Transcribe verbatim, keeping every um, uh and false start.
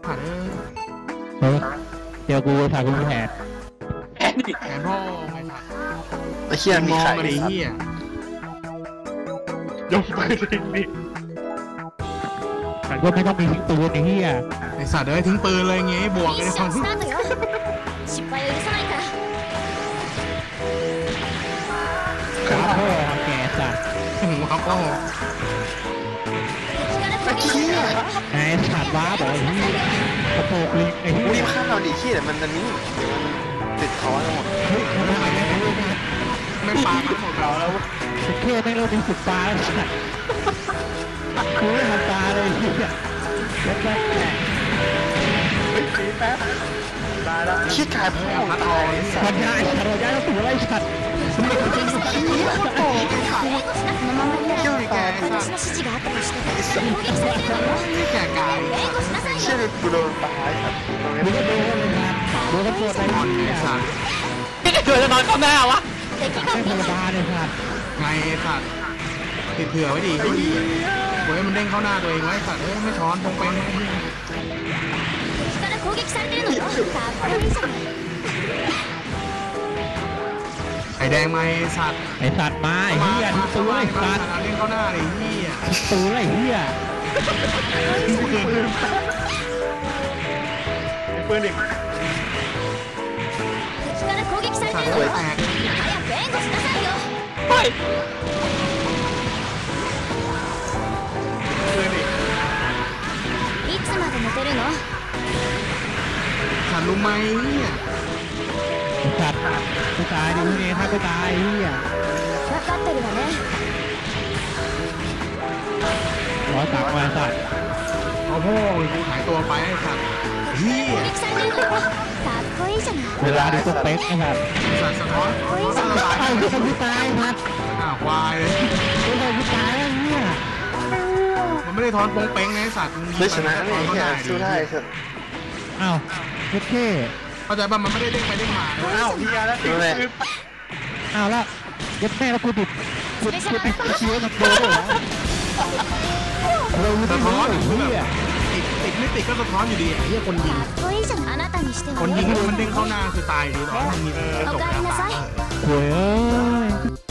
ผ่านเออเฮ้ยเดี๋ยวกูถ่ายกูแผนแผนพ่อไม่ผ่านไอ้เหี้ยมมีองไข่มาดิเฮียยกมือทิ้งดิว่าไม่ต้องมีทิ้งปืนไอ้เหี้ยไอสัตว์เอ้ยทิ้งปืนเลยงี้บวกミกันッในシควาョมンスタートよ失敗を許さないからขาพ่อแกสัตว์หัวพ่อ敵から攻撃されるわよไอ้สัตว์ว้าบอกไอ้เหี้ยกระโปงลิงไอ้เหี้รียบข้ามเราดิขี้แต่มันอันนี้เดี๋ยวมันติดคอทั้งหมดเฮ้ยทำไมไม่ไม่ไม่ไม่ปามันหมดเราแล้วไม่แค่ไม่เรามีสุดตาแล้วสัตว์กูไม่ทำตาเลยเหี้ยแล้วก็แหมขี้กายพ่อตายไอ้สัปัตญว์ญาไอ้สัตว์เราย้ายเราตัวไล่สัตว์ไม่เคยจริงสัตว์このままになると私の指示があったとして攻撃されてるわよแก่กาย援護しなさいเชี่ยよเลยกูโดนตายสัตว์ตรงนี้มึงก็โดนเลยนะโดนกระโดดไอ้นอนเหี้ไอย สัตว์เกิดจะนอนเข้าหน้าวะ敵ไม่がธรรมดาเลยสัตว์ไงไอ้สัตว์ติดเผื่อไว้ดิเฮ้ยเฮ้ยมันเด้งเข้าหน้าตัวเองไว้สัตว์เอ้ยไม่ช้อนตรงไปนะ敵から攻撃されてるのよかっこいいじゃないไอแดงมาไอสัตว์ไอ้สัตว์มาไอ้เหี้ยทิ้งตัวไอ้สัตว์เด้งเข้าหน้าเลยเฮียทิ้งตัวไอ้เหี้ยปืนดิ敵から攻撃されสัตてว์るのเอ้ยよแตก早く援護しなさいよเฮ้ยいつまで寝てるのสัตว์รู้ไหมเนี่ยไอ้สัตว์กูตายดิพวกนี้ถ้ากูตายไอ้เหี้ย分かってるわねร้อยสามวันสัตว์เอาพ่อกูหายตัวไปไอสัตว์เฮีย攻撃されてるのよかっこいいじゃないเวลาดูตัวเป๊กไอ้สัตว์สัตว์สะท้อนสะท้อนไอ้สะคนที่ตายสัตว์อ้าวควายเลยไอ้คนที่ตายไอ้เหี้ยมันไม่ได้ทอนโปงเป้งนะไอสัตว์ได้ชนะนี่เหี้ยสู้ได้สัตว์อ้าวโอเคเข้าใจป่ะมันไม่ได้เด้งไปเด้งมาอ้าวพี่ยาแล้วติดเลยอ้าวแล้วยัดแม่แล้วกูดิบกูกูติดเชื้อกับโดนด้วยเหรอเราไม่สะรู้ท้อนไอ้คือเหี้แบยบติดติดไม่ติดก็สะท้อนอยู่ดีไอ้เหี้ยคนยิงかっこいいじゃないあなたにしてคはนยิงねมันเด้งเข้าหน้าคือตายดีตอนมันมีกระจกแล้วโว้ยเอ้ย